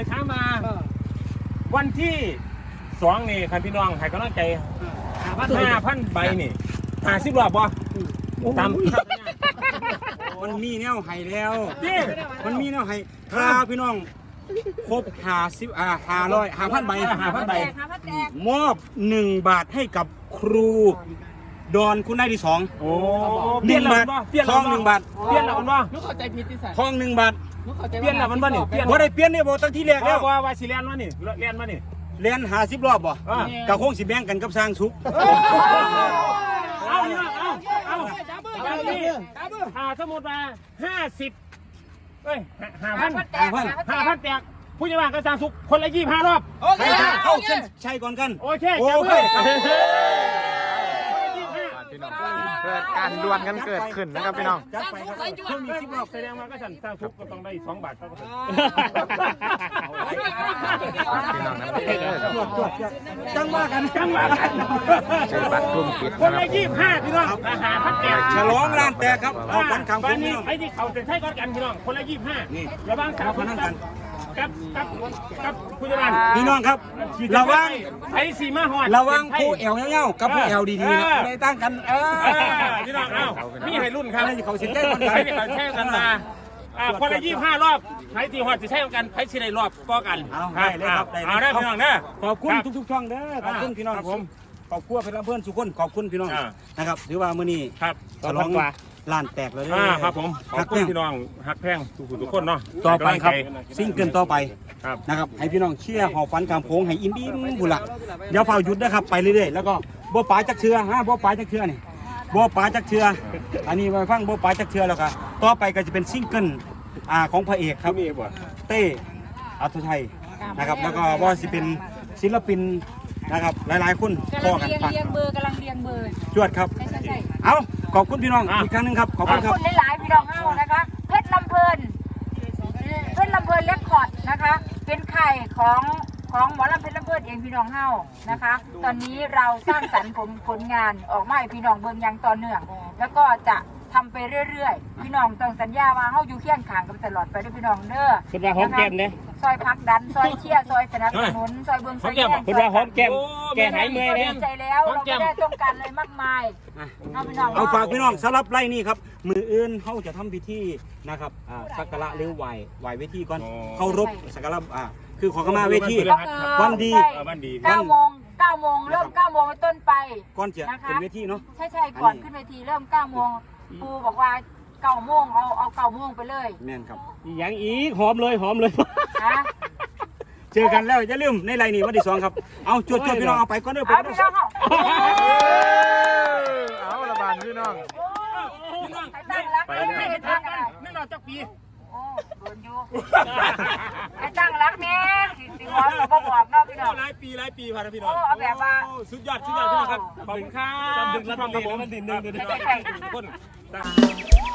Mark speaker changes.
Speaker 1: ให้ถามมาวันที่2นี่คันพี่น้องให้กำลังใจ5,000 ใบนี่50 รอบบ่ตาม
Speaker 2: มันมีแนวไห้แล้ว
Speaker 1: นี่
Speaker 2: มันมีแนวไห้ถ้าพี่น้องครบ500 5,000 ใบ
Speaker 1: 5,000 ใบ
Speaker 2: มอบ1 บาทให้กับครูดอนคุณนายที่2
Speaker 1: โอ้
Speaker 2: เปลี่ยนบาททอง1 บาท
Speaker 1: เปลี่ยนแล้วมันบ่
Speaker 3: นึกเข้าใจผิดที่ใส่
Speaker 2: ทอง1 บาท
Speaker 1: เปลี่ยนแล้วมันบ่นี่เปลี่ยน
Speaker 2: บ่ได้เปลี่ยนเนี่ยบ่ตั้งที่แรกแล้ว
Speaker 1: ว่าสิเรียนมานี่เรียนมานี่
Speaker 2: เรียน50 รอบบ่ก็คงสิแบ่งกันกับสร้างสุข
Speaker 1: เอาถ้าสมมติว่า50เอ้ย5,000 แตกผู้ใหญ่บ้านก็สร้างสุขคนละ25 รอบ
Speaker 2: เข้าเส้นชัยก่อนกัน
Speaker 1: โอเค
Speaker 4: เกิดการดวลกันเกิดขึ้นนะครับพี่น้อง
Speaker 2: จัดไปครับ
Speaker 1: เพิ่มมี10 รอบแสดงว่าก็สร้างสุขก็ต้องได้2 บาทเท่ากัน
Speaker 4: พี่น้องนั้น
Speaker 2: จังว่ากัน
Speaker 4: ใช้บัตรกลุ่มปิด
Speaker 1: คนละ25พี่น้อง5,000 แตก
Speaker 2: ฉลองร้านแตกครับเอากันคำคุณพี่น้อง
Speaker 1: ไอ้ที่เขาจะใช้กันพี่น้องคนละ25
Speaker 2: นี่
Speaker 1: ระวังสาวคนนั้นกันกับผู้จัดการ
Speaker 2: พี่น้องครับระวัง
Speaker 1: ไอ้สีมาหอด
Speaker 2: ระวังผู้แอวเงี้ยวกับผู้แอวดีๆนะในตั้งกัน
Speaker 1: พี่น้องมีให้รุ่นครับ
Speaker 2: เขาสิแก้กัน
Speaker 1: ให้เขาแช่กันมาคนละ25 รอบใครที่หอดจะแช่กันใครที่ได้รอบก็กัน
Speaker 2: ได้เลยครับ
Speaker 1: เอาได้พี่น้องนะ
Speaker 2: ขอบคุณทุกๆช่องเด้อขอบคุณพี่น้องผมขอบคุณเพื่อนทุกคนขอบคุณพี่น้องนะครับถือว่ามื้อนี้
Speaker 1: ครับ
Speaker 2: ฉลองร้านแตกเลย
Speaker 1: ครับผมขอบคุณพี่น้องฮักแพงทุกคนเนาะ
Speaker 2: ต่อไปครับซิ่งเกินต่อไป
Speaker 1: ครับ
Speaker 2: นะครับให้พี่น้องเชียร์หอบฟันกามโค้งให้อินดี้บุหลักเดี๋ยวเฝ้าหยุดนะครับไปเรื่อยๆแล้วก็บ่ป๋าจักเชือบ่ป๋าจักเชือนี่บ่ป๋าจักเชืออันนี้มาฟังบ่ป๋าจักเชือแล้วก็ต่อไปก็จะเป็นซิงเกิลของพระเอกครับเต้อัศชัยนะครับแล้วก็ว่าสิเป็นศิลปินนะครับหลายๆคน
Speaker 5: กำลังเรียงเบอร์
Speaker 2: จวดครับเอาขอบคุณพี่น้องอีกครั้งนึงครับขอบคุณครับ
Speaker 5: หลายๆพี่น้องเฮานะคะเพชรลำเพลินเรคคอร์ดนะคะเป็นไข่ของหมอลำเพชรลำเพลินเองพี่น้องเฮานะคะตอนนี้เราสร้างสรรค์ผลงานออกมาให้พี่น้องเบิ่งอย่างต่อเนื่องแล้วก็จะทำไปเรื่อยๆพี่น้องต้องสัญญาว่าเฮาอยู่เคียงข้างกันตลอดไปด้วยพี่น้องเด้อ
Speaker 1: คุณว่าหอมแก้มเนี่ย
Speaker 5: ซอยพักดันซอยเชียร์ซอยสนับสนุนซอยเบิ่งซอยแย่ง
Speaker 1: คุณว่าหอมแก้มแก้หายเมื่อยเลย
Speaker 5: ใจแล้วเราไม่ได้ต้องการเลยมากมาย
Speaker 2: เอาฝากพี่น้องสำหรับไล่นี่ครับมืออื่นเขาจะทำพิธีนะครับสักการะหรือไหวเวทีก่อนเคารพสักการะคือขอเข้ามาเวทีวันดี
Speaker 5: 9 โมงเริ่ม9 โมงต้นไป
Speaker 2: ก่อนจะขึ้นเวทีเนาะ
Speaker 5: ใช่ก่อนขึ้นเวทีเริ่ม9 โมงครูบอกว่า9 โมงเอา9 โมงไปเลย
Speaker 2: แม่นครับ
Speaker 1: อย่างอีกหอมเลย
Speaker 2: เจอกันแล้วอย่าลืมในไลน์นี่วันที่2ครับเอาจวดพี่น้องเอาไปก่อนเด้อ
Speaker 5: เอาพี่น้อง
Speaker 4: เอาละบานพี่น้อง
Speaker 5: ไปเลยตั้งรัก
Speaker 1: ไม่รอจักปี
Speaker 5: โอ้โดนอยู่ไปตั้งรักแม่สิหอมก็บอกเนาะพี่น้อง
Speaker 1: หลายปีพาพี่น้อง
Speaker 5: เอาแบบว่า
Speaker 1: สุดยอดพี่น้องครับขอบคุณครับดึงรับผมดึงทุกคน